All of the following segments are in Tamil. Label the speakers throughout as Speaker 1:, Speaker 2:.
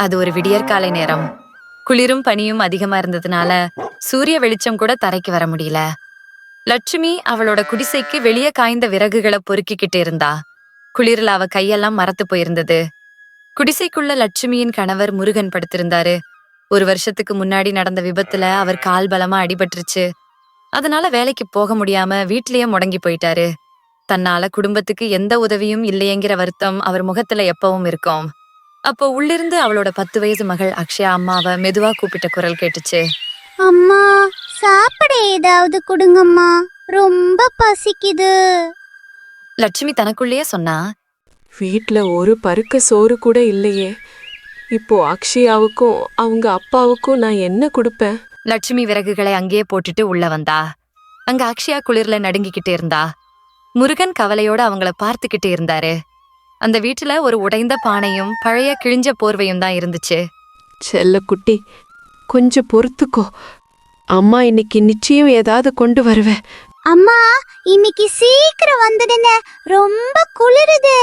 Speaker 1: அது ஒரு விடியற்காலை நேரம். குளிரும் பனியும் அதிகமா இருந்ததுனால சூரிய வெளிச்சம் கூட தரைக்கு வர முடியல. லட்சுமி அவளோட குடிசைக்கு வெளியே காய்ந்த விறகுகளை பொறுக்கிக்கிட்டு இருந்தா. குளிரில் அவ கையெல்லாம் மரத்து போயிருந்தது. குடிசைக்குள்ள லட்சுமியின் கணவர் முருகன் படுத்திருந்தாரு. 1 வருஷத்துக்கு முன்னாடி நடந்த விபத்துல அவர் கால் பலமா அடிபட்டுருச்சு. அதனால வேலைக்கு போக முடியாம வீட்லயே முடங்கி போயிட்டாரு. தன்னால குடும்பத்துக்கு எந்த உதவியும் இல்லையேங்கிற வருத்தம் அவர் முகத்துல எப்பவும் இருக்கும். அப்போ உள்ளிருந்து அவளோட 10 வயசு மகள் அக்ஷயா அம்மாவை மெதுவா கூப்பிட்ட குரல் கேட்டுச்சு.
Speaker 2: அம்மா, சாப்பிட ஏதாவது கொடுங்கம்மா, ரொம்ப பசிக்குது.
Speaker 1: லட்சுமி தனக்குள்ளேயே சொன்னா,
Speaker 3: வீட்ல ஒரு பருக்க சோறு கூட இல்லையே. இப்போ அக்ஷயாவுக்கும் அவங்க அப்பாவுக்கும் நான் என்ன கொடுப்பேன்?
Speaker 1: லட்சுமி விறகுகளை அங்கேயே போட்டுட்டு உள்ள வந்தா. அங்க அக்ஷயா குளிர்ல நடுங்கிக்கிட்டு இருந்தா. முருகன் கவலையோட அவங்கள பார்த்துக்கிட்டு இருந்தாரு. அந்த வீட்டுல ஒரு உடைந்த பானையும் பழைய கிழிஞ்ச போர்வையும் தான் இருந்துச்சு.
Speaker 3: செல்ல குட்டி, கொஞ்சம் பொறுத்துக்கோ. அம்மா இன்னைக்கு நிச்சயம் ஏதாவது கொண்டு வருவேன்.
Speaker 2: அம்மா, இன்னைக்கு சீக்கிரம் வந்துடுங்க, ரொம்ப குளிருது.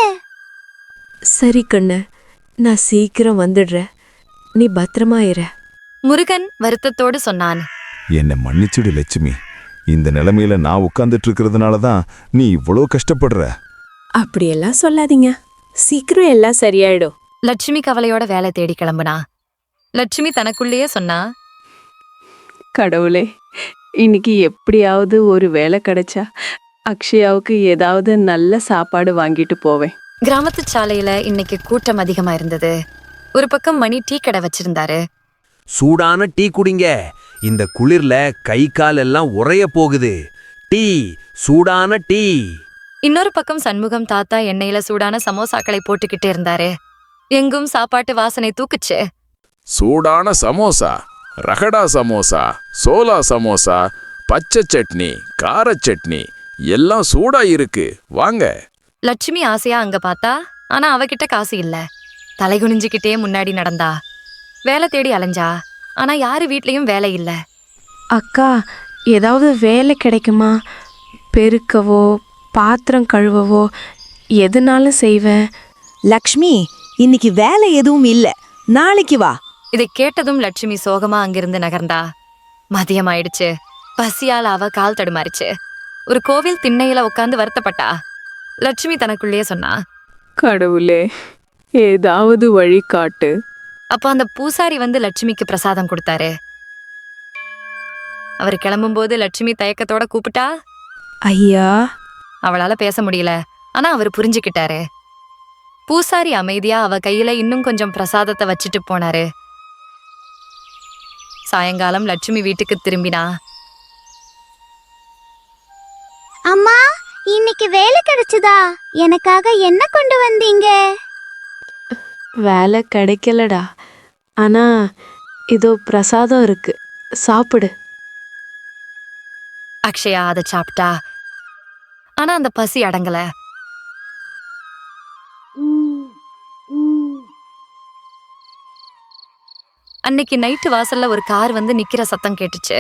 Speaker 3: சரி கண்ணு, நான் சீக்கிரம் வந்துடுறேன். நீ பத்திரமா இரு.
Speaker 1: முருகன் வருத்தத்தோடு சொன்னான்.
Speaker 4: என்னை மன்னிச்சுடு லட்சுமி. இந்த நிலைமையில நான் உட்கார்ந்துட்டு இருக்கிறதுனால தான் நீ இவ்வளோ கஷ்டப்படுற.
Speaker 3: அப்படியெல்லாம் சொல்லாதீங்க, சீக்கிரம் எல்லாம் சரியாயிடும்.
Speaker 1: லட்சுமி கவலையோட வேலை தேடி கிளம்புனா. லட்சுமி தனக்குள்ளேயே சொன்னா,
Speaker 3: கடவுளே, இன்னைக்கு எப்படியாவது ஒரு வேலை கிடைச்சா அக்ஷயாவுக்கு ஏதாவது நல்ல சாப்பாடு வாங்கிட்டு போவேன்.
Speaker 1: கிராமத்து சாலையில இன்னைக்கு கூட்டம் அதிகமா இருந்தது. ஒரு பக்கம் மணி டீ கடை வச்சிருந்தாரு.
Speaker 5: சூடான டீ குடிங்க, இந்த குளிர்ல கை கால் எல்லாம் உறைய போகுது. டீ, சூடான டீ.
Speaker 1: இன்னொரு பக்கம் சண்முகம் தாத்தா எண்ணெயில சூடான சமோசாக்களை போட்டுக்கிட்டு இருந்தாரு. எங்கும் சாப்பாட்டு வாசனை தூக்குச்சு.
Speaker 6: சூடான சமோசா, ரகடா சமோசா, சோலா சமோசா, பச்சை சட்னி, கார சட்னி எல்லாம் சூடா இருக்கு, வாங்க.
Speaker 1: லட்சுமி ஆசையா அங்க பார்த்தா, ஆனா அவகிட்ட காசு இல்ல. தலை குனிஞ்சுக்கிட்டே முன்னாடி நடந்தா. வேலை தேடி அலைஞ்சா, ஆனா யாரு வீட்லயும் வேலை இல்ல.
Speaker 3: அக்கா, ஏதாவது வேலை கிடைக்குமா? பெருக்கவோ பாத்திரம் கழுவவோ எதுனாலும் செய்வேன்.
Speaker 7: லக்ஷ்மி, இன்னைக்கு வேலை எதுவும் இல்ல, நாளைக்கு வா.
Speaker 1: இதை கேட்டதும் லட்சுமி சோகமா அங்கிருந்து நகர்ந்தா. மதியம் ஆயிடுச்சு. பசியால அவ கால் தடுமாறிச்சு. ஒரு கோவில் திண்ணையில உட்கார்ந்து வருத்தப்பட்டா. லட்சுமி தனக்குள்ளேயே சொன்னா,
Speaker 3: கடவுளே, ஏதாவது வழி காட்டு.
Speaker 1: அப்போ அந்த பூசாரி வந்து லட்சுமிக்கு பிரசாதம் கொடுத்தாரு. அவர் கிளம்பும்போது லட்சுமி தயக்கத்தோட கூப்பிட்டா.
Speaker 7: ஐயா.
Speaker 1: அவளால பேச முடியல, ஆனா அவர் புரிஞ்சுக்கிட்டாரு. பூசாரி அமைதியா அவ கையில இன்னும் கொஞ்சம் பிரசாதத்தை வச்சுட்டு போனாரு. சாயங்காலம் லட்சுமி வீட்டுக்கு திரும்பினா.
Speaker 2: அம்மா, இன்னைக்கு வேலை கிடைச்சதா? எனக்காக என்ன கொண்டு வந்தீங்க?
Speaker 3: வேலை கிடைக்கலடா, ஆனா இதோ பிரசாதம் இருக்கு, சாப்பிடு.
Speaker 1: அக்ஷயா அதை சாப்பிட்டா. ஆனா அந்த பசி அடங்கல. அன்னைக்கு நைட்டு வாசல்ல ஒரு கார் வந்து நிக்கிற சத்தம் கேட்டுச்சு.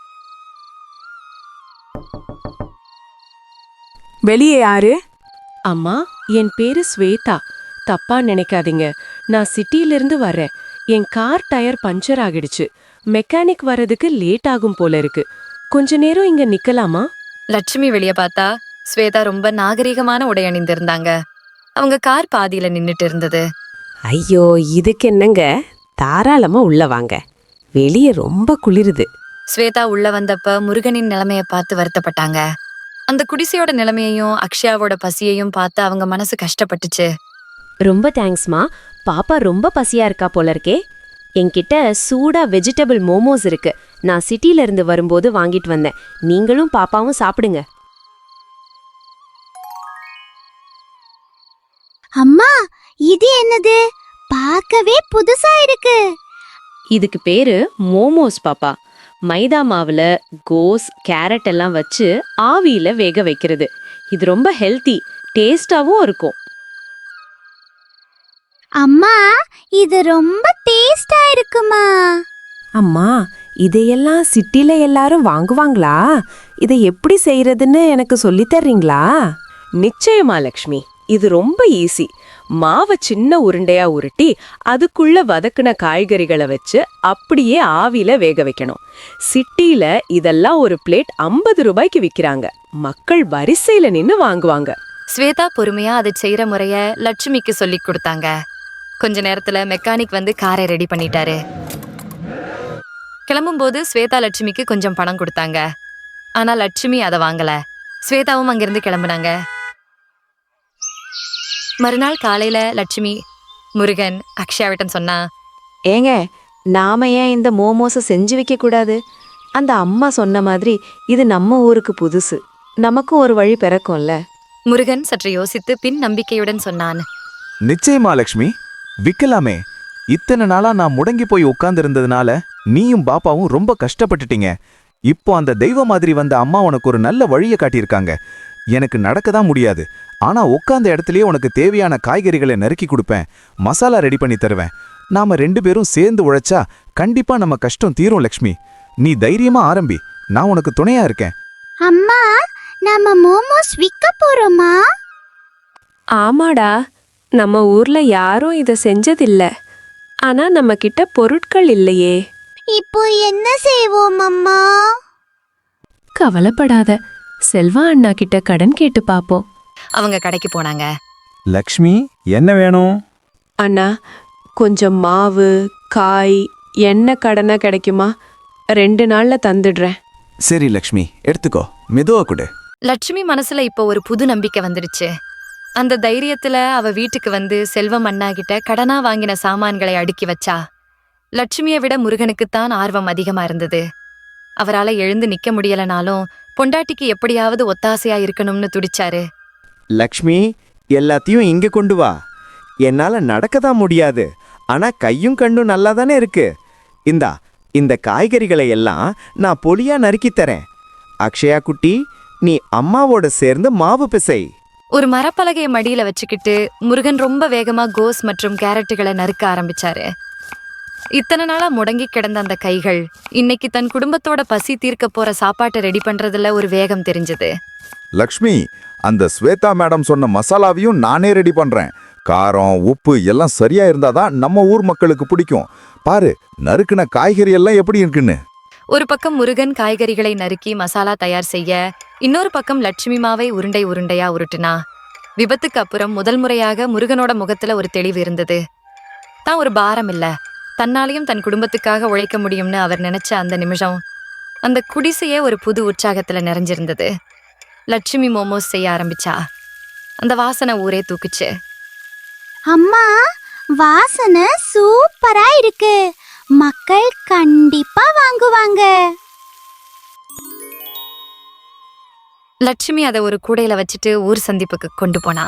Speaker 8: வெளியே யாரு?
Speaker 3: அம்மா, என் பேரு ஸ்வேதா. தப்பா நினைக்காதீங்க, நான் சிட்டியிலிருந்து வர்றேன். என் கார் டயர் பஞ்சர் ஆகிடுச்சு. மெக்கானிக் வர்றதுக்கு லேட் ஆகும் போல இருக்கு. கொஞ்ச நேரம் இங்க நிக்கலாமா?
Speaker 1: லட்சுமி வெளிய பார்த்தா. ஸ்வேதா ரொம்ப நாகரிகமான உடை அணிந்திருந்தாங்க. அவங்க கார் பாதியில நின்னுட்டு இருந்தது.
Speaker 9: ஐயோ, இதுக்கு என்னங்க, தாராளமா உள்ள வாங்க, வெளியே ரொம்ப குளிருது.
Speaker 1: ஸ்வேதா உள்ள வந்தப்ப முருகனின் நிலைமைய பார்த்து வருத்தப்பட்டாங்க. அந்த குடிசையோட நிலைமையையும் அக்ஷயாவோட பசியையும் பார்த்து அவங்க மனசு கஷ்டப்பட்டுச்சு.
Speaker 9: ரொம்ப தேங்க்ஸ்மா, பாப்பா ரொம்ப பசியா இருக்கா போல இருக்கே. என்கிட்ட சூடா வெஜிடபிள் மோமோஸ் இருக்கு, நான் சிட்டில இருந்து வரும்போது வாங்கிட்டு வந்தேன். நீங்களும் பாப்பாவும் சாப்பிடுங்க.
Speaker 2: அம்மா, இது என்னது? பார்க்கவே புதுசா இருக்கு.
Speaker 9: இதுக்கு பேரு மோமோஸ் பாப்பா. மைதா மாவுல கோஸ், கேரட் எல்லாம் வச்சு ஆவியில வேக வைக்கிறது. இது ரொம்ப ஹெல்த்தி, டேஸ்டாவும் இருக்கும்.
Speaker 2: அம்மா, இது ரொம்ப டேஸ்டா இருக்குமா?
Speaker 7: அம்மா, இதையெல்லாம் சிட்டில எல்லாரும் வாங்குவாங்களா? இதை எப்படி செய்யறதுன்னு எனக்கு சொல்லித் தர்றீங்களா?
Speaker 9: நிச்சயமா லக்ஷ்மி, இது ரொம்ப ஈஸி.
Speaker 3: மாவை சின்ன உருண்டையா உருட்டி அதுக்குள்ள வதக்குன காய்கறிகளை வச்சு அப்படியே ஆவியில வேக வைக்கணும். சிட்டில இதெல்லாம் ஒரு பிளேட் 50 ரூபாய்க்கு விக்கிறாங்க. மக்கள் வரிசையில நின்னு வாங்குவாங்க.
Speaker 1: ஸ்வேதா பொறுமையா அதை செய்யற முறைய லட்சுமிக்கு சொல்லி கொடுத்தாங்க. கொஞ்ச நேரத்துல மெக்கானிக் வந்து காரை ரெடி பண்ணிட்டாரு. கிளம்பும்போது ஸ்வேதா லட்சுமிக்கு கொஞ்சம் பணம் கொடுத்தாங்க. ஆனா லட்சுமி அதை வாங்கல. ஸ்வேதாவும் அங்கிருந்து கிளம்புனாங்க. மறுநாள் காலையில லட்சுமி முருகன் அக்ஷயாவிட்டம் சொன்னா,
Speaker 7: ஏங்க, நாம ஏன் இந்த மோமோஸை செஞ்சு வைக்க கூடாது? அந்த அம்மா சொன்ன மாதிரி இது நம்ம ஊருக்கு புதுசு, நமக்கும் ஒரு வழி பிறக்கும்ல.
Speaker 1: முருகன் சற்று யோசித்து பின் நம்பிக்கையுடன் சொன்னான்.
Speaker 8: நிச்சயமா லக்ஷ்மி, விக்கலாமே. இத்தனை நாளா நான் முடங்கி போய் உட்கார்ந்திருந்ததுனால நீயும் பாப்பாவும் ரொம்ப கஷ்டப்பட்டுட்டீங்க. இப்போ அந்த தெய்வ மாதிரி வந்த அம்மா உனக்கு ஒரு நல்ல வழியை காட்டியிருக்காங்க. எனக்கு நடக்கதான் முடியாது, ஆனா உட்கார்ந்த இடத்துலயே உனக்கு தேவையான காய்கறிகளை நறுக்கி கொடுப்பேன், மசாலா ரெடி பண்ணி தருவேன். நாம 2 பேரும் சேர்ந்து உழைச்சா கண்டிப்பா நம்ம கஷ்டம் தீரும் லக்ஷ்மி. நீ தைரியமா ஆரம்பி, நான் உனக்கு துணையா இருக்கேன்.
Speaker 2: அம்மா, நாம மோமோஸ் விற்க போறோமா?
Speaker 3: ஆமாடா, நம்ம ஊர்ல யாரும் இத செஞ்சதில்ல. ஆனா நம்ம கிட்ட பொருட்கள் இல்லையே.
Speaker 2: இப்போ என்ன செய்வோம் அம்மா?
Speaker 3: கவலைப்படாத, செல்வா அண்ணா கிட்ட கடன் கேட்டு பாப்போம்.
Speaker 1: அவங்க கடைக்கு போனாங்க.
Speaker 8: லக்ஷ்மி, என்ன வேணும்?
Speaker 3: அண்ணா, கொஞ்சம் மாவு, காய், எண்ணெய் கடனா கிடைக்குமா? 2 நாள்ல தந்துடுறேன்.
Speaker 8: சரி லக்ஷ்மி, எடுத்துக்கோ, மெதுவா கொடு.
Speaker 1: லட்சுமி மனசுல இப்போ ஒரு புது நம்பிக்கை வந்துடுச்சு. அந்த தைரியத்துல அவ வீட்டுக்கு வந்து செல்வம் அண்ணா கிட்ட கடனா வாங்கின சாமான்களை அடுக்கி வச்சா. லட்சுமியை விட முருகனுக்குத்தான் ஆர்வம் அதிகமா இருந்தது. அவரால எழுந்து நிக்க முடியலனாலும் பொண்டாட்டிக்கு எப்படியாவது ஒத்தாசையா இருக்கணும்னு துடிச்சாரு.
Speaker 10: லக்ஷ்மி, எல்லாத்தையும் இங்க கொண்டு வா. என்னால நடக்கதான் முடியாது, ஆனா கையும் கண்ணும் நல்லா தானே இருக்கு. இந்த காய்கறிகளை எல்லாம் நான் பொலியா நறுக்கி தரேன். அக்ஷயா குட்டி, நீ அம்மாவோட சேர்ந்து மாவு பிசை.
Speaker 1: ஒரு மரப்பலகையை மடியில வச்சுக்கிட்டு முருகன் ரொம்ப வேகமா கோஸ் மற்றும் கேரட்டுகளை நறுக்க ஆரம்பிச்சாரு. இத்தனை நாளா முடங்கி கிடந்த அந்த கைகள் இன்னைக்கு தன் குடும்பத்தோட பசி தீர்க்க போற சாப்பாட்டை ரெடி பண்றதுல ஒரு வேகம் தெரிஞ்சது.
Speaker 4: லக்ஷ்மி, அந்த ஸ்வேதா மேடம் சொன்ன மசாலாவையும் நானே ரெடி பண்றேன். காரம், உப்பு எல்லாம் சரியா இருந்தாதான் நம்ம ஊர் மக்களுக்கு பிடிக்கும். பாரு, நறுக்குன காய்கறி எல்லாம் எப்படி இருக்குன்னு.
Speaker 1: ஒரு பக்கம் முருகன் காய்கறிகளை நறுக்கி மசாலா தயார் செய்ய, இன்னொரு பக்கம் லட்சுமி மாவை உருண்டை உருண்டையா உருட்டுனா. விபத்துக்கு அப்புறம் முதல் முறையாக முருகனோட முகத்துல ஒரு தெளிவு இருந்தது. தான் ஒரு பாரம் இல்ல, தன்னாலையும் தன் குடும்பத்துக்காக உழைக்க முடியும்னு அவர் நினைச்ச அந்த நிமிஷம் அந்த குடிசையே ஒரு புது உற்சாகத்துல நிறைஞ்சிருந்தது. லட்சுமி மோமோஸ் செய்ய ஆரம்பிச்சா. அந்த வாசனை ஊரே தூக்குச்சு.
Speaker 2: அம்மா, வாசனை சூப்பரா இருக்கு. மக்கள் கண்டிப்பா வாங்குவாங்க.
Speaker 1: லட்சுமி அதை ஒரு கூடையில வச்சுட்டு ஊர் சந்திப்புக்கு கொண்டு போனா.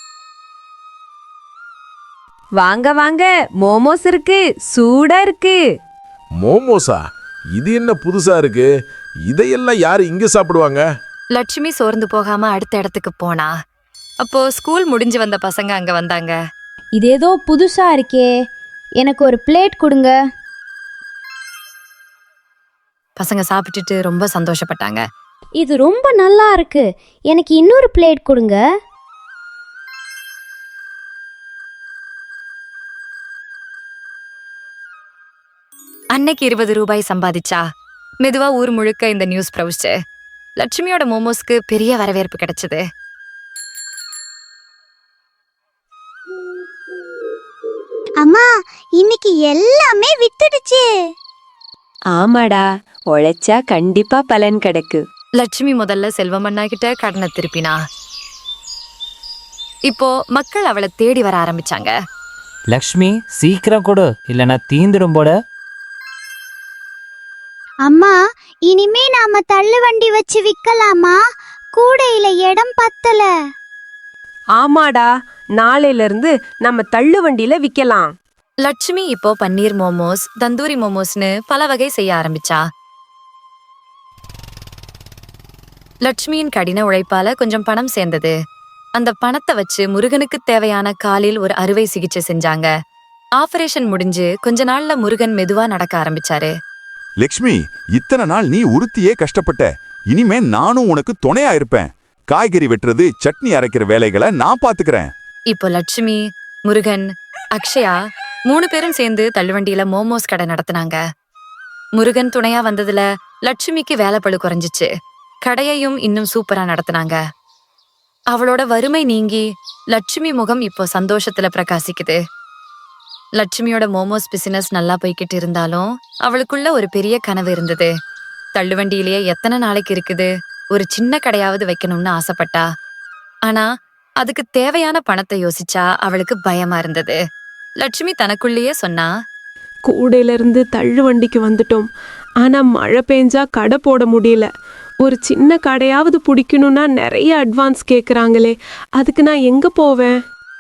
Speaker 9: வாங்க வாங்க, மோமோஸ் இருக்கு, சூடா இருக்கு.
Speaker 6: மோமோஸா? இது என்ன புதுசா இருக்கு? இதையெல்லாம் யாரு இங்க சாப்பிடுவாங்க?
Speaker 1: லட்சுமி சோர்ந்து போகாம அடுத்த இடத்துக்கு போனா. அப்போ ஸ்கூல் முடிஞ்சு வந்த பசங்க அங்க வந்தாங்க.
Speaker 2: இது ஏதோ புதுசா இருக்கே, எனக்கு ஒரு பிளேட் கொடுங்க.
Speaker 1: பசங்க சாப்பிட்டுட்டு ரொம்ப சந்தோஷப்பட்டாங்க.
Speaker 2: இது ரொம்ப நல்லா இருக்கு, எனக்கு இன்னொரு பிளேட் கொடுங்க.
Speaker 1: அன்னைக்கு 20 ரூபாய் சம்பாதிச்சா. மெதுவா ஊர் முழுக்க இந்த நியூஸ் பிரவுச்சு. லட்சுமியோட மோமோஸ்க்கு பெரிய வரவேற்பு கிடைச்சது.
Speaker 2: அம்மா, இன்னைக்கு எல்லாமே வித்துடுச்சு.
Speaker 9: ஆமாடா, உழைச்சா கண்டிப்பா பலன் கிடைக்கு.
Speaker 1: லட்சுமி முதல்ல செல்வமண்ணா கிட்ட கடனை திருப்பினா. இப்போ மக்கள் அவளை தேடி வர ஆரம்பிச்சாங்க.
Speaker 11: லக்ஷ்மி, சீக்கிரம் கொடு, இல்லைன்னா தீந்துடும் போட.
Speaker 2: அம்மா, இனிமே நாம தள்ளு வண்டி வச்சு விக்கலாமா? கூடையில இடம் பத்தல.
Speaker 3: ஆமாடா, நாளையில இருந்து நம்ம தள்ளு வண்டியில விக்கலாம்.
Speaker 1: லட்சுமி இப்போ பன்னீர் மோமோஸ், தந்தூரி மோமோஸ்னு பல வகை செய்ய ஆரம்பிச்சா. லட்சுமியின் கடின உழைப்பால கொஞ்சம் பணம் சேர்ந்தது. அந்த பணத்தை வச்சு முருகனுக்கு தேவையான காலில் ஒரு அறுவை சிகிச்சை செஞ்சாங்க. ஆபரேஷன் முடிஞ்சு கொஞ்ச நாள்ல முருகன் மெதுவா நடக்க ஆரம்பிச்சாரு.
Speaker 4: லக்ஷ்மி, இத்தனை நாள் நீ உறுத்தியே கஷ்டப்பட்ட. இனிமே நானும் உனக்கு துணையா இருப்பேன். காய்கறி வெட்டுறது, சட்னி அரைக்கிற வேலைகளை நான் பாத்துக்கிறேன்.
Speaker 1: இப்போ லட்சுமி முருகன், அக்ஷயா 3 பேரும் சேர்ந்து தள்ளுவண்டியில மோமோஸ் கடை நடத்தினாங்க. முருகன் துணையா வந்ததுல லட்சுமிக்கு வேலைப்பளு குறைஞ்சிச்சு. கடையையும் இன்னும் சூப்பரா நடத்தினாங்க. அவளோட வறுமை நீங்கி லட்சுமி முகம் இப்போ சந்தோஷத்துல பிரகாசிக்குது. லட்சுமியோட மோமோஸ் பிசினஸ் நல்லா போய்கிட்டு இருந்தாலும் அவளுக்குள்ள ஒரு பெரிய கனவு இருந்தது. தள்ளுவண்டியிலேயே எத்தனை நாளைக்கு இருக்குது, ஒரு சின்ன கடையாவது வைக்கணும்னு ஆசைப்பட்டா. ஆனா அதுக்கு தேவையான பணத்தை யோசிச்சா அவளுக்கு பயமா இருந்தது. லட்சுமி தனக்குள்ளேயே சொன்னா,
Speaker 3: கூடையில இருந்து தள்ளு வண்டிக்கு வந்துட்டோம். ஆனா மழை பெஞ்சா கடை போட முடியல. ஒரு சின்ன கடையாவது பிடிக்கணும்னா நிறைய அட்வான்ஸ் கேக்குறாங்களே, அதுக்கு நான் எங்க போவேன்?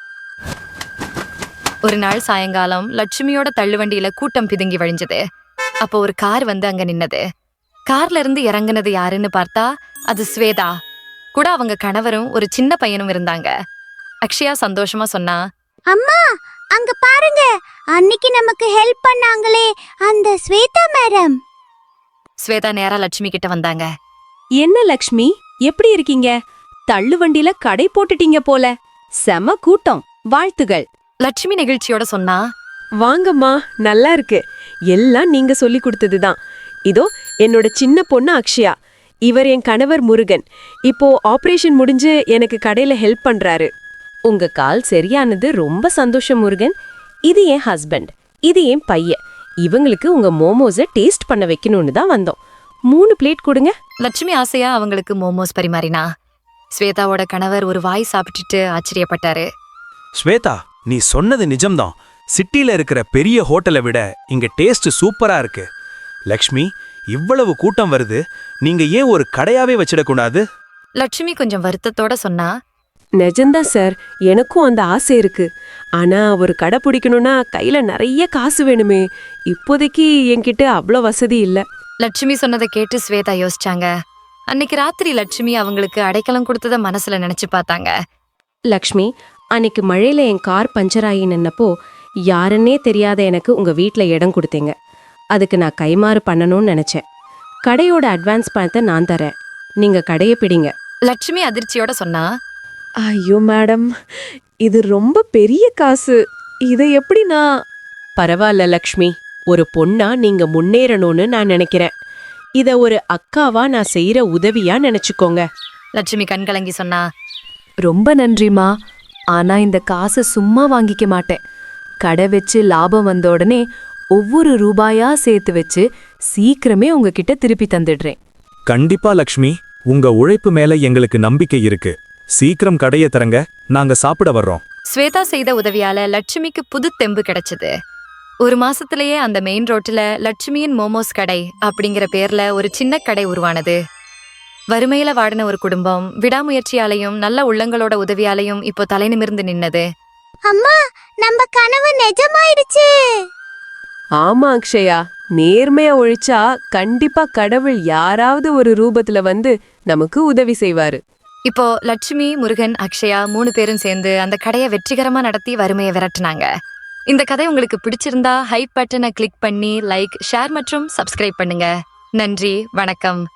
Speaker 1: ஒரு நாள் சாயங்காலம் லட்சுமியோட தள்ளுவண்டியில கூட்டம் பிதுங்கி வழிஞ்சது. அப்போ ஒரு கார் வந்து அங்க நின்னது. கார்ல இருந்து இறங்குனது யாருன்னு பார்த்தா அது ஸ்வேதா. கூட அவங்க கணவரும் ஒரு சின்ன பையனும் இருந்தாங்க. அக்ஷயா சந்தோஷமா சொன்னா,
Speaker 2: அம்மா அங்க பாருங்க, அன்னைக்கு நமக்கு ஹெல்ப் பண்ணாங்களே அந்த ஸ்வேதா மேடம்.
Speaker 1: ஸ்வேதா நேரா லட்சுமி கிட்ட வந்தாங்க.
Speaker 9: என்ன லக்ஷ்மி, எப்படி இருக்கீங்க? தள்ளு வண்டியில கடை போட்டுட்டீங்க போல. செம கூட்டம், வாழ்த்துகள்.
Speaker 1: லட்சுமி நெகிழ்ச்சியோட சொன்னா,
Speaker 3: வாங்கம்மா, நல்லா இருக்கு. எல்லாம் நீங்க சொல்லி கொடுத்ததுதான். இதோ என்னோட சின்ன பொண்ணு அக்ஷயா, இவர் என் கணவர் முருகன். இப்போ ஆபரேஷன் முடிஞ்சு எனக்கு கடையில ஹெல்ப் பண்றாரு.
Speaker 9: உங்க கால் சரியானது ரொம்ப சந்தோஷம் முருகன். இது என் ஹஸ்பண்ட், இது என் பையன். இவங்களுக்கு உங்க மோமோஸை டேஸ்ட் பண்ண வைக்கணும்னு தான் வந்தோம். 3 பிளேட் கொடுங்க.
Speaker 1: லட்சுமி ஆசையா அவங்களுக்கு மோமோஸ் பரிமாறினா. ஸ்வேதாவோட கணவர் ஒரு வாய் சாப்பிட்டுட்டு ஆச்சரியப்பட்டாரு.
Speaker 5: ஸ்வேதா, நீ சொன்னது நிஜம்தான். சிட்டில இருக்கிற பெரிய ஹோட்டலை விட இங்க டேஸ்ட் சூப்பரா இருக்கு. லக்ஷ்மி, இவ்வளவு கூட்டம் வருது, நீங்க ஏன் ஒரு கடையாவே வச்சிடக்கூடாது?
Speaker 1: லட்சுமி கொஞ்சம் வருத்தத்தோட சொன்னா,
Speaker 3: நிஜம்தான் சார், எனக்கும் அந்த ஆசை இருக்கு. ஆனா ஒரு கடை பிடிக்கணும்னா கையில நிறைய காசு வேணுமே. இப்போதைக்கு என்கிட்ட அவ்வளோ வசதி இல்ல.
Speaker 1: லட்சுமி சொன்னதை கேட்டு ஸ்வேதா யோசிச்சாங்க. அன்னைக்கு ராத்திரி லட்சுமி அவங்களுக்கு அடைக்கலம் கொடுத்தத மனசுல நினைச்சு பார்த்தாங்க.
Speaker 9: லக்ஷ்மி, அன்னைக்கு மழையில என் கார் பஞ்சர் ஆகி நின்னப்போ யாருன்னே தெரியாத எனக்கு உங்க வீட்ல இடம் கொடுத்தீங்க. அதுக்கு நான் கைமாறு பண்ணணும்னு நினைச்சேன். கடையோட அட்வான்ஸ் பணத்தை நான் தரேன், நீங்க கடையை பிடிங்க.
Speaker 1: லட்சுமி அதிர்ச்சியோட சொன்னா,
Speaker 3: ஐயோ மேடம், இது ரொம்ப பெரிய காசு. இதை எப்படி நான்...
Speaker 9: பரவாயில்ல லக்ஷ்மி, ஒரு பொண்ணா நீங்க முன்னேறணும்னு நான் நினைக்கிறேன். இத ஒரு அக்காவா நான் செய்யற உதவியா நினைச்சுக்கோங்க.
Speaker 1: லட்சுமி கண்கலங்கி சொன்னா,
Speaker 7: ரொம்ப நன்றிமா. ஆனா இந்த காசை சும்மா வாங்கிக்க மாட்டேன். கடை வச்சு லாபம் வந்த உடனே ஒவ்வொரு ரூபாயா சேர்த்து வச்சு சீக்கிரமே உங்ககிட்ட திருப்பி தந்துடுறேன்.
Speaker 8: கண்டிப்பா லக்ஷ்மி, உங்க உழைப்பு மேல எங்களுக்கு நம்பிக்கை இருக்கு. சீக்கிரம் கடைய தரங்க, நாங்க சாப்பிட வர்றோம்.
Speaker 1: ஸ்வேதா செய்த உதவியால லட்சுமிக்கு புது தெம்பு கிடைச்சது. 1 மாசத்திலேயே அந்த மெயின் ரோட்ல லட்சுமியின் மோமோஸ் கடை அப்படிங்கிற பேர்ல ஒரு சின்ன கடை உருவானது. வறுமையில வாடின ஒரு குடும்பம் விடாமுயற்சியாலையும் நல்ல உள்ளங்களோட உதவியாலையும் இப்போ தலை நிமிர்ந்து நின்னது.
Speaker 2: அம்மா நம்ம கனவு நிஜமாயிடுச்சு.
Speaker 3: ஆமா அக்ஷயா, நேர்மையா ஒழிச்சா கண்டிப்பா கடவுள் யாராவது ஒரு ரூபத்துல வந்து நமக்கு உதவி செய்வாரு.
Speaker 1: இப்போ லட்சுமி, முருகன், அக்ஷயா 3 பேரும் சேர்ந்து அந்த கடையை வெற்றிகரமா நடத்தி வறுமையை விரட்டுனாங்க. இந்த கதை உங்களுக்கு பிடிச்சிருந்தா ஹைப் பட்டனை கிளிக் பண்ணி லைக், ஷேர் மற்றும் சப்ஸ்கிரைப் பண்ணுங்க. நன்றி, வணக்கம்.